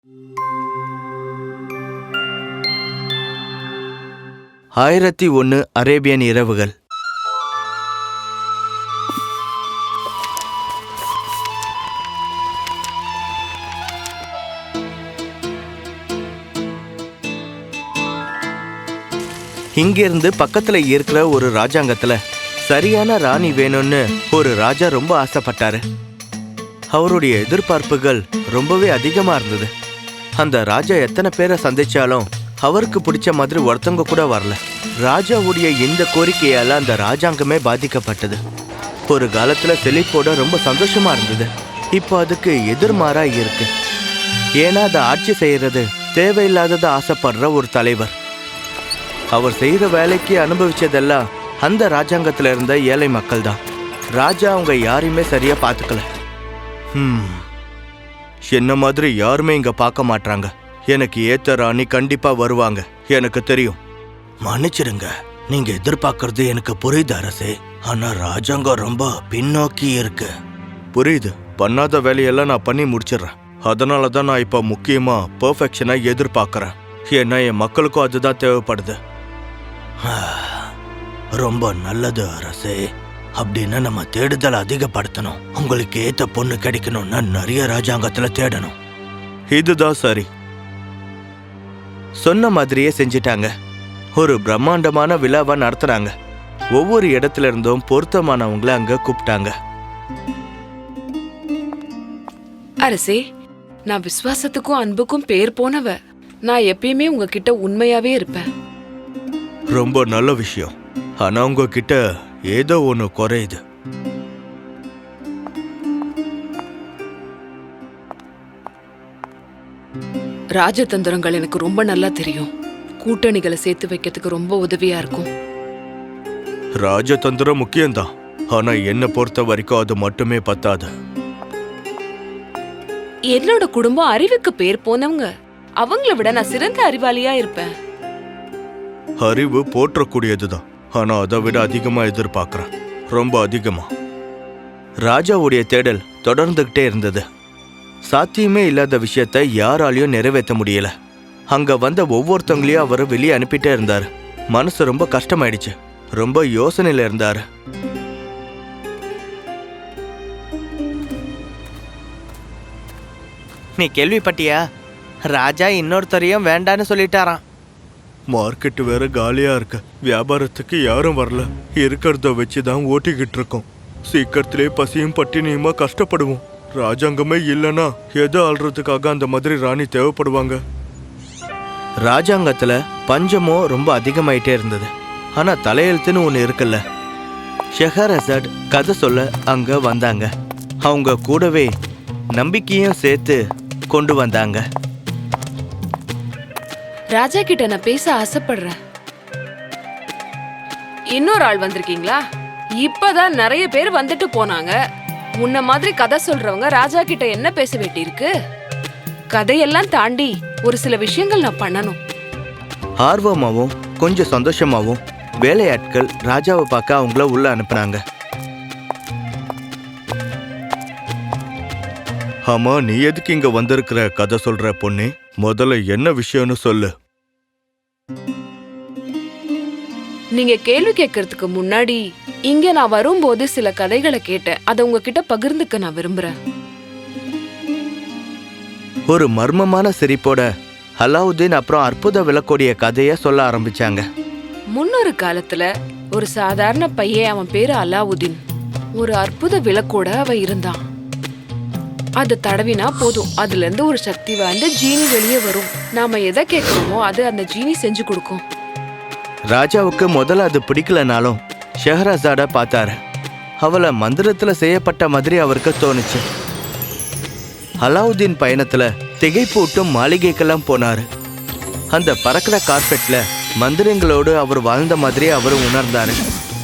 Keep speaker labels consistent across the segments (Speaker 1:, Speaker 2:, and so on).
Speaker 1: 1001 Arabian இரவுகள். இங்கிருந்து பக்கத்துல இருக்கிற ஒரு ராஜாங்கத்துல சரியான ராணி வேணும்னு ஒரு ராஜா ரொம்ப ஆசைப்பட்டாரு. அவருடைய எதிர்பார்ப்புகள் ரொம்பவே அதிகமா இருந்தது. அந்த ராஜா எத்தனை பேரை சந்திச்சாலும் அவருக்கு பிடிச்ச மாதிரி ஒருத்தவங்க கூட வரல. ராஜாவுடைய இந்த கோரிக்கையால அந்த ராஜாங்கமே பாதிக்கப்பட்டது. ஒரு காலத்துல செழிப்போட ரொம்ப சந்தோஷமா இருந்தது. இப்போ அதுக்கு எதிர்மாறா இருக்கு. ஏன்னா அதை ஆட்சி செய்யறது தேவையில்லாததை ஆசைப்படுற ஒரு தலைவர். அவர் செய்யற வேலைக்கு அனுபவிச்சதெல்லாம் அந்த ராஜாங்கத்துல இருந்த ஏழை மக்கள் தான். ராஜா அவங்க யாரையுமே சரியா பாத்துக்கல. என்ன மாதிரி யாருமே இங்க பார்க்க மாட்டாங்க. எனக்கு ஏத்த ராணி கண்டிப்பா வருவாங்க, எனக்கு தெரியும். மன்னிச்சிடுங்க, நீங்க எதிர்பார்க்கறது எனக்கு புரியுது அரசே. ஆனா ராஜாங்கம் ரொம்ப பின்னோக்கி இருக்கு. புரியுது, பண்ணாத வேலையெல்லாம் நான் பண்ணி முடிச்சிடுறேன். அதனாலதான் நான் இப்ப முக்கியமா பெர்ஃபெக்ஷனை எதிர்பார்க்கறேன். ஏன்னா என் மக்களுக்கும் அதுதான் தேவைப்படுது. ரொம்ப நல்லது அரசே. அப்படின்னு நம்ம தேடுதல் அதிகப்படுத்தணும். உங்களுக்கு ஏத்த பொண்ணு கிடைக்கணும்னா நிறைய ராஜாங்கத்துல தேடணும். இதுதான் சரி. சொன்ன மாதிரியே செஞ்சிட்டாங்க. ஒரு பிரம்மாண்டமான விழாவை நடத்துறாங்க. ஒவ்வொரு இடத்துல இருந்தும் பொருத்தமானவங்களை அங்க கூப்பிட்டாங்க.
Speaker 2: அரசே, நான் விசுவாசத்துக்கும் அன்புக்கும் பேர் போனவ. நான் எப்பயுமே உங்ககிட்ட உண்மையாவே இருப்பேன்.
Speaker 1: ரொம்ப நல்ல விஷயம். ஆனா உங்ககிட்ட ஏதோ ஒண்ணு குறையுது.
Speaker 2: ராஜதந்திரங்கள் எனக்கு ரொம்ப நல்லா தெரியும். கூட்டணிகளை சேர்த்து வைக்கிறதுக்கு ரொம்ப உதவியா இருக்கும்.
Speaker 1: ராஜதந்திரம் முக்கியம்தான், ஆனா என்ன பொறுத்த வரைக்கும் அது மட்டுமே பத்தாது.
Speaker 2: என்னோட குடும்பம் அறிவுக்கு பேர் போனவங்க. அவங்கள விட நான் சிறந்த அறிவாளியா இருப்பேன்.
Speaker 1: அறிவு போற்றக்கூடியதுதான், ஆனா அதை விட அதிகமா எதிர்பார்க்கிறேன், ரொம்ப அதிகமா. ராஜாவுடைய தேடல் தொடர்ந்துகிட்டே இருந்தது. சாத்தியமே இல்லாத விஷயத்த யாராலையும் நிறைவேற்ற முடியல. அங்க வந்த ஒவ்வொருத்தவங்களையும் அவர் வெளியே அனுப்பிட்டே இருந்தாரு. மனசு ரொம்ப கஷ்டமாயிடுச்சு. ரொம்ப யோசனையில இருந்தாரு. நீ கேள்விப்பட்டியா? ராஜா இன்னொருத்தரையும் வேண்டான்னு சொல்லிட்டாராம். மார்க்கெட் வேற காலியா இருக்கு. வியாபாரத்துக்கு யாரும் வரல. இருக்கிறத வச்சுதான் ஓட்டிக்கிட்டு இருக்கோம். சீக்கிரத்திலே பசியும் பட்டினியுமா கஷ்டப்படுவோம். ராஜாங்கமே இல்லைன்னா எதை ஆள்றதுக்காக அந்த மாதிரி ராணி தேவைப்படுவாங்க. ராஜாங்கத்துல பஞ்சமும் ரொம்ப அதிகமாயிட்டே இருந்தது. ஆனா தலையெழுத்துன்னு ஒண்ணு இருக்குல்ல. ஷெஹரசட் கதை சொல்ல அங்க வந்தாங்க. அவங்க கூடவே நம்பிக்கையும் சேர்த்து கொண்டு வந்தாங்க.
Speaker 2: ராஜா கிட்ட நான் பேச ஆசைப்படுறேன். இன்னொரு ஆள் வந்திருக்கீங்களா? இப்பதான் நிறைய பேர் வந்துட்டு போனாங்க. முன்ன மாதிரி கதை சொல்றவங்க ராஜா கிட்ட என்ன பேச வேண்டியிருக்கு? கதையெல்லாம் தாண்டி ஒரு சில விஷயங்கள் நான் பண்ணணும்.
Speaker 1: ஆர்வமாவும் கொஞ்சம் சந்தோஷமாவும் வேலையாட்கள் ராஜாவை பார்க்க அவங்கள உள்ள அனுப்புனாங்க. ஆமா, நீ எதுக்கு இங்க வந்திருக்கிற கதை சொல்ற பொண்ணு? முதல்ல என்ன விஷயம்னு சொல்லு.
Speaker 2: நீங்க கேள்வி கேட்கறதுக்கு முன்னாடி இங்க நான் வரும்போது சில கதைகளை கேட்டேன். அதை உங்ககிட்ட பகிர்ந்துக்க நான் விரும்புறேன்.
Speaker 1: ஒரு மர்மமான சிரிப்போட அலாவுதீன் அப்புறம் அற்புத விளக்கோடைய கதைய சொல்ல ஆரம்பிச்சாங்க.
Speaker 2: முன்னொரு காலத்துல ஒரு சாதாரண பையன், அவன் பேரு அலாவுதீன். ஒரு அற்புத விளக்கோட அவன் இருந்தான். அதை தடவினா போதும், அதுல இருந்து ஒரு சக்தி வாய்ந்த ஜீனி வெளியே வரும். நாம எதை கேட்கிறோமோ அது அந்த ஜீனி செஞ்சு கொடுக்கும்.
Speaker 1: ராஜாவுக்கு முதல்ல அது பிடிக்கலனாலும் ஷெஹரசாட பார்த்தாரு. அவளை மந்திரத்துல செய்யப்பட்ட மாதிரி அவருக்கு தோணுச்சு. அலாவுதீன் பயணத்துல திகைப்பூட்டும் மாளிகைக்கெல்லாம் போனாரு. அந்த பறக்கிற கார்பெட்ல மந்திரங்களோடு அவர் வாழ்ந்த மாதிரி அவர் உணர்ந்தாரு.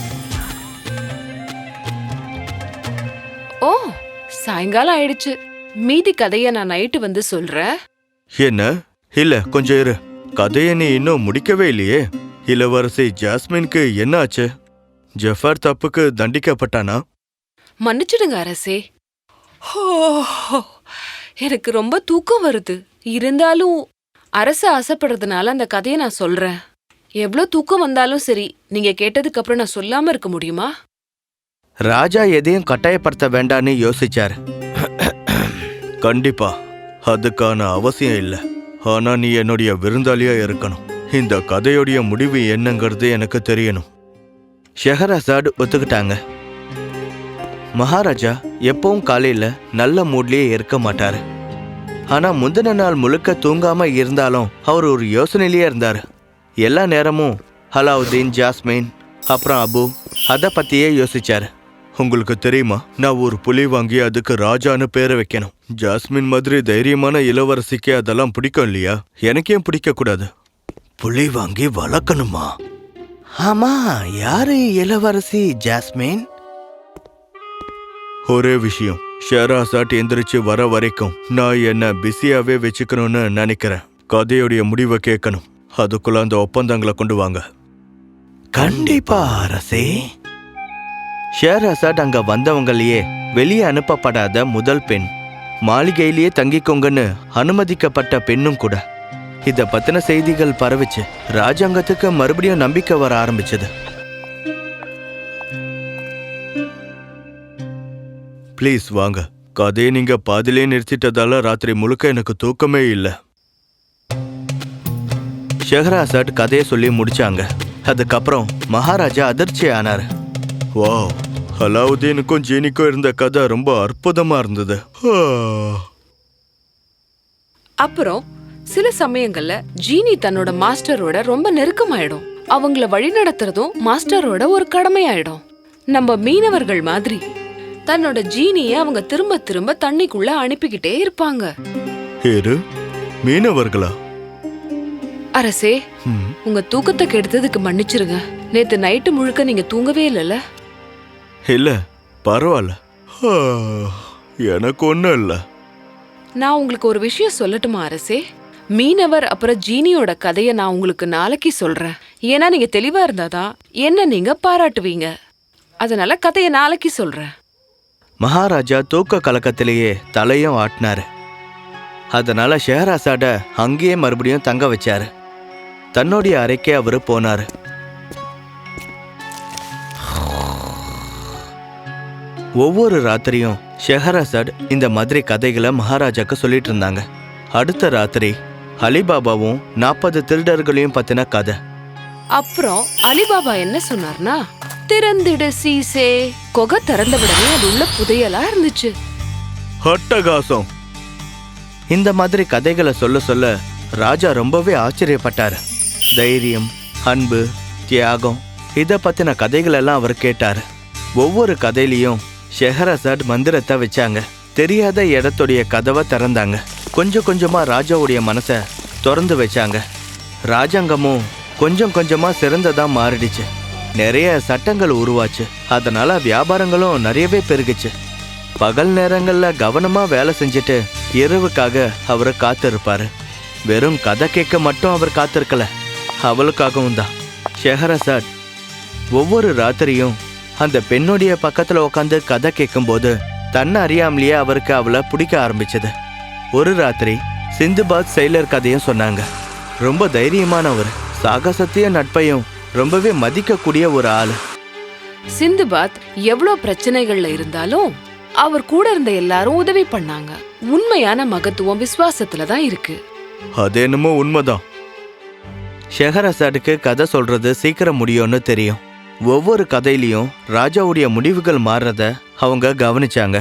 Speaker 2: ஓ, சாயங்காலம் ஆயிடுச்சு. மீதி கதைய நான் நைட்டு வந்து சொல்றேன்.
Speaker 1: என்ன? இல்ல, கொஞ்சம் இரு. கதையை நீ இன்னும் முடிக்கவே இல்லையே. இளவரசி ஜாஸ்மினுக்கு என்ன ஆச்சு? ஜஃபர் தப்புக்கு தண்டிக்கப்பட்டானா?
Speaker 2: மன்னிச்சிடுங்க அரசே. எனக்கு ரொம்ப தூக்கம் வருது. இருந்தாலும் அரசு ஆசைப்படுறதுனால அந்த கதையை நான் சொல்றேன். எவ்வளோ தூக்கம் வந்தாலும் சரி, நீங்க கேட்டதுக்கு அப்புறம் நான் சொல்லாம இருக்க முடியுமா?
Speaker 1: ராஜா எதையும் கட்டாயப்படுத்த வேண்டான்னு யோசிச்சாரு. கண்டிப்பா அதுக்கான அவசியம் இல்லை. ஆனா நீ என்னுடைய விருந்தாளியா இருக்கணும். இந்த கதையுடைய முடிவு என்னங்கிறது எனக்கு தெரியணும். ஷெஹரசாட் ஒத்துக்கிட்டாங்க. மகாராஜா எப்பவும் காலையில நல்ல மூட்லயே இருக்க மாட்டாரு. ஆனா முந்தின நாள் முழுக்க தூங்காம இருந்தாலும் அவர் ஒரு யோசனையிலேயே இருந்தாரு. எல்லா நேரமும் அலாவுதீன், ஜாஸ்மின், அப்புறம் அபு அதை பத்தியே யோசிச்சாரு. உங்களுக்கு தெரியுமா, நான் ஒரு புலி வாங்கி அதுக்கு ராஜான்னு பேரை வைக்கணும். ஜாஸ்மின் மாதிரி தைரியமான இளவரசிக்கு அதெல்லாம் பிடிக்கும் இல்லையா? எனக்கு ஏன் பிடிக்க கூடாது? புலி வாங்கி வளர்க்கணுமா? ஆமா, யாரு இளவரசி ஜாஸ்மின்? ஒரே விஷயம், ஷெஹரசாட் எந்திரிச்சு வர வரைக்கும் நான் என்ன பிஸியாவே வச்சுக்கணும்னு நினைக்கிறேன். கதையுடைய முடிவை கேட்கணும். அதுக்குள்ள அந்த ஒப்பந்தங்களை கொண்டு வாங்க. கண்டிப்பா அரசே. ஷெஹரசாட் அங்க வந்தவங்களையே வெளியே அனுப்பப்படாத முதல் பெண், மாளிகையிலேயே தங்கிக்கோங்கன்னு அனுமதிக்கப்பட்ட பெண்ணும் கூட. இத பத்தின செய்திகள் பரவிச்சு. ராஜாங்கத்துக்கு மறுபடியும் நம்பிக்கை வர ஆரம்பிச்சது. ப்ளீஸ் வாங்க. கதையை நீங்க பாதிலே நிறுத்திட்டதால ராத்திரி முழுக்க எனக்கு தூக்கமே இல்லை. ஷெஹரசாட் கதையை சொல்லி முடிச்சாங்க. அதுக்கப்புறம் மகாராஜா அதிர்ச்சி ஆனார். வாவ், அலாவுதீனுக்கும் ஜீனிக்கும் இருந்த கதை ரொம்ப அற்புதமா இருந்தது.
Speaker 2: அப்புறம் சில சமயங்கள்ல ஜீனி தன்னோட மாஸ்டரோட ரொம்ப நெருக்கமாயிடும். அவங்கள வழி நடத்துறதும் மாஸ்டரோட ஒரு கடமையாயிடும். நம்ம மீனவர்கள் மாதிரி தன்னோட ஜீனிய அவங்க திரும்ப திரும்ப தண்ணிக்குள்ள அனுப்பிக்கிட்டே இருப்பாங்க.
Speaker 1: மீனவர்களா?
Speaker 2: அரசே, உங்க தூக்கத்தை கெடுத்ததுக்கு மன்னிச்சிருங்க. நேத்து நைட்டு முழுக்க நீங்க தூங்கவே இல்லைல்ல?
Speaker 1: இல்ல, பரவாயில்ல, எனக்கு ஒண்ணும் இல்ல.
Speaker 2: நான் உங்களுக்கு ஒரு விஷயம் சொல்லட்டுமா அரசே? மீனவர் அப்புறம் ஜீனியோட கதைய நான் உங்களுக்கு நாளைக்கு சொல்றேன். ஏன்னா நீங்க தெளிவா இருந்தாதான் என்ன நீங்க பாராட்டுவீங்க. அதனால கதைய நாளைக்கு சொல்றேன்.
Speaker 1: மகாராஜா தூக்க கலக்கத்திலேயே தலையும் ஆட்டினாரு. அதனால ஷெஹரசாட அங்கேயே மறுபடியும் தங்க வச்சாரு. தன்னுடைய அறைக்கே அவரு போனாரு. ஒவ்வொரு ராத்திரியும் ஷெஹரசாட் இந்த மாதிரி கதைகளை மகாராஜாக்கு சொல்லிட்டு இருந்தாங்க. அடுத்த ராத்திரி அலிபாபாவும் 40 திருடர்களையும் பத்தின கதை.
Speaker 2: அப்புறம் அலிபாபா என்ன சொன்னார்னா, திறந்திடு சீசே. கொகை திறந்த விடவே அது உள்ள புதையலா இருந்துச்சு.
Speaker 1: அட்டகாசம். இந்த மாதிரி கதைகளை சொல்ல சொல்ல ராஜா ரொம்பவே ஆச்சரியப்பட்டாரு. தைரியம், அன்பு, தியாகம் இத பத்தின கதைகள் எல்லாம் அவர் கேட்டாரு. ஒவ்வொரு கதையிலையும் ஷெஹரசாட் மந்திரத்தை வச்சாங்க. தெரியாத இடத்துடைய கதவை திறந்தாங்க. கொஞ்சம் கொஞ்சமா ராஜாவுடைய மனசை திறந்து வச்சாங்க. ராஜாங்கமும் கொஞ்சம் கொஞ்சமா சிறந்ததா மாறிடுச்சு. நிறைய சட்டங்கள் உருவாச்சு. அதனால வியாபாரங்களும் நிறையவே பெருகுச்சு. பகல் நேரங்கள்ல கவனமா வேலை செஞ்சுட்டு இரவுக்காக அவரை காத்திருப்பாரு. வெறும் கதை கேட்க மட்டும் அவர் காத்திருக்கல, அவளுக்காகவும் தான். ஷெஹரசாட் ஒவ்வொரு ராத்திரியும் அந்த பெண்ணுடைய பக்கத்துல உட்காந்து கதை கேட்கும்போது தன்னை அறியாமலேயே அவருக்கு அவளை பிடிக்க ஆரம்பிச்சது. ஒரு ராத்திரி சிந்துபாத் செயலர் கதையும் சொன்னாங்க. ரொம்ப தைரியமானவர், சாகசத்தையும் நட்பையும் ரொம்பவே மதிக்கக்கூடிய ஒரு ஆளு.
Speaker 2: சிந்துபாத் எவ்வளவு பிரச்சனைகள்ல இருந்தாலும் அவர் கூட இருந்த எல்லாரும் உதவி பண்ணாங்க. உண்மையான மகத்துவம் விசுவாசத்துல தான் இருக்கு.
Speaker 1: அது என்னமோ உண்மைதான். ஷெஹரசாடுக்கு கதை சொல்றது சீக்கிரம் முடியும்னு தெரியும். ஒவ்வொரு கதையிலையும் ராஜாவுடைய முடிவுகள் மாறுறத அவங்க கவனிச்சாங்க.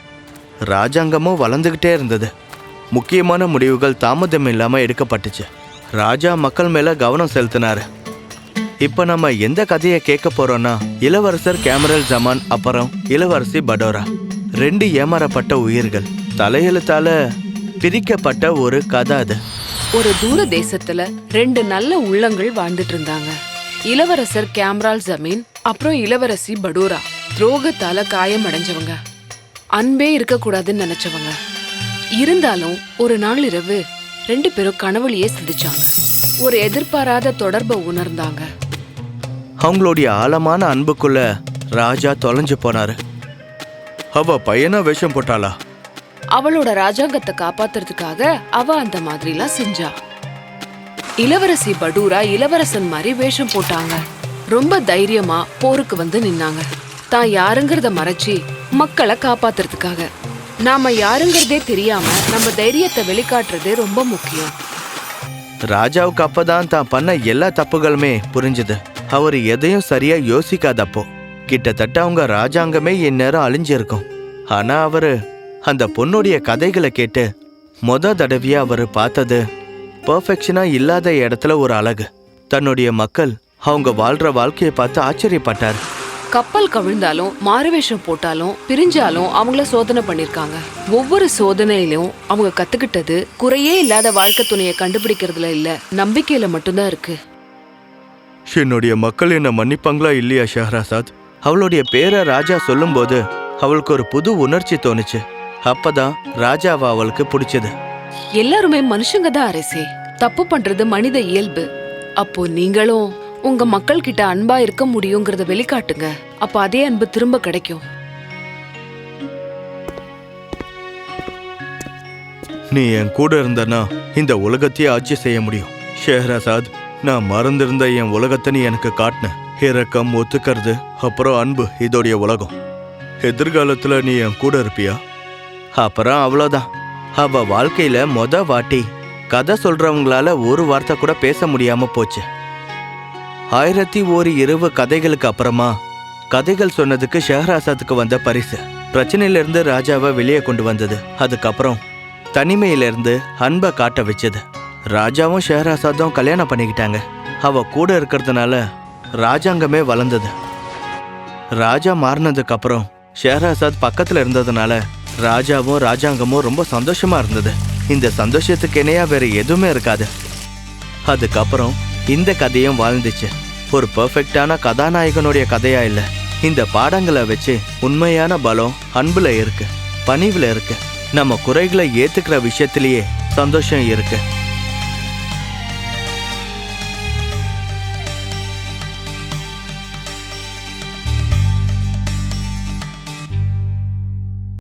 Speaker 1: ராஜாங்கமும் வளர்ந்துகிட்டே இருந்தது. முக்கியமான முடிவுகள் தாமதம் இல்லாம எடுக்கப்பட்டுச்சு. ராஜா மக்கள் மேல கவனம் செலுத்தினாரு. இப்ப நம்ம எந்த கதையை கேட்க போறோம்னா, இளவரசர் கேமரல் ஜமான் அப்புறம் இளவரசி படோரா, 2 ஏமாறப்பட்ட உயிர்கள், தலையெழுத்தால பிரிக்கப்பட்ட ஒரு கதை. அது
Speaker 2: ஒரு தூர தேசத்துல 2 நல்ல உள்ளங்கள் வாழ்ந்துட்டு இருந்தாங்க. இளவரசர் கேம்ரால் ஜமீன் அப்புறம் இளவரசி படோரா. துரோகத்தால காயம் அடைஞ்சவங்க, அன்பே இருக்க கூடாதுன்னு நினைச்சவங்க. இருந்தாலும் ஒரு நாள் இரவு 2 பேரும் கனவுலயே சிந்திச்சாங்க. ஒரு எதிர்பாராத தொடர்பை உணர்ந்தாங்க.
Speaker 1: அவங்களுடைய ஆழமான அன்புக்குள்ள ராஜா தொலைஞ்சு போனாரு. அவ பையனா வேஷம் போட்டாளா?
Speaker 2: அவளோட ராஜாங்கத்தை காப்பாத்துறதுக்காக அவ அந்த மாதிரிலாம் செஞ்சா. இளவரசி படூரா இளவரசன் மாதிரி வேஷம் போட்டாங்க. ரொம்ப தைரியமா போருக்கு வந்து நின்னாங்க. தான் யாருங்கிறத மறைச்சி மக்களை காப்பாத்துறதுக்காக. நாம யாருங்கிறதே தெரியாம நம்ம தைரியத்தை வெளிக்காட்டுறதே ரொம்ப முக்கியம்.
Speaker 1: ராஜாவுக்கு அப்பதான் தான் பண்ண எல்லா தப்புகளுமே புரிஞ்சுது. அவர் எதையும் சரியா யோசிக்காதப்போ கிட்டத்தட்ட அவங்க ராஜாங்கமே இந்நேரம் அழிஞ்சிருக்கும். ஆனா அவரு அந்த பொண்ணுடைய கதைகளை கேட்டு தடவையா அவரு பார்த்தது பெர்ஃபெக்ஷனா இல்லாத இடத்துல ஒரு அழகு. தன்னுடைய மக்கள் அவங்க வாழ்ற வாழ்க்கையை பார்த்து ஆச்சரியப்பட்டார்.
Speaker 2: கப்பல் கவிழ்ந்தாலும் மாறுவேஷம் போட்டாலும் பிரிஞ்சாலும் அவங்கள சோதனை பண்ணிருக்காங்க. ஒவ்வொரு சோதனையிலும் அவங்க கத்துக்கிட்டது குறையே இல்லாத வாழ்க்கை துணையை கண்டுபிடிக்கிறதுல இல்ல, நம்பிக்கையில மட்டும்தான் இருக்கு.
Speaker 1: என்னுடைய மக்கள் என்ன மன்னிப்பாங்களா இல்லையா ஷஹ்ரசாத்? அவளுடைய பேரை ராஜா சொல்லும்போது அவளுக்கு ஒரு புது உணர்ச்சி தோணுச்சு. அப்பதான் ராஜாவை அவளுக்கு பிடிச்சது.
Speaker 2: எல்லாருமே மனுஷங்க தான் அரசே, தப்பு பண்றது மனித இயல்பு. அப்போ நீங்களும் உங்க மக்கள் கிட்ட அன்பா இருக்க முடியுங்கிறத வெளிக்காட்டுங்க. அப்ப அதே அன்பு திரும்ப கிடைக்கும்.
Speaker 1: நீ என் கூட இருந்தனா இந்த உலகத்தையே ஆட்சி செய்ய முடியும் ஷெஹ்ரசாத். நான் மறந்திருந்த என் உலகத்தை நீ எனக்கு காட்டின. இரக்கம், ஒத்துக்கிறது, அப்புறம் அன்பு, இதோடைய உலகம். எதிர்காலத்துல நீ என் கூட இருப்பியா? அப்புறம் அவ்வளோதான். அவ வாழ்க்கையில வாட்டி கதை சொல்றவங்களால ஒரு வார்த்தை கூட பேச முடியாம போச்சு. 1001 இரவு கதைகளுக்கு அப்புறமா கதைகள் சொன்னதுக்கு ஷெஹ்ரசாத்துக்கு வந்த பரிசு பிரச்சனையிலிருந்து ராஜாவை வெளியே கொண்டு வந்தது. அதுக்கப்புறம் தனிமையிலிருந்து அன்பை காட்ட வச்சது. ராஜாவும் ஷெஹ்ரசாத்தும் கல்யாணம் பண்ணிக்கிட்டாங்க. அவ கூட இருக்கிறதுனால ராஜாங்கமே வளர்ந்தது. ராஜா மாறினதுக்கு அப்புறம் ஷெஹ்ரசாத் பக்கத்துல இருந்ததுனால ராஜாவும் ராஜாங்கமும் ரொம்ப சந்தோஷமா இருந்தது. இந்த சந்தோஷத்துக்கு இணையா வேற எதுவுமே இருக்காது. அதுக்கப்புறம் இந்த கதையும் வாழ்ந்துச்சு. ஒரு பெர்ஃபெக்டான கதாநாயகனுடைய கதையா இல்ல. இந்த பாடங்களை வச்சு உண்மையான பலம் அன்புல இருக்கு, பணிவுல இருக்கு. நம்ம குறைகளை ஏத்துக்கிற விஷயத்திலேயே சந்தோஷம் இருக்கு.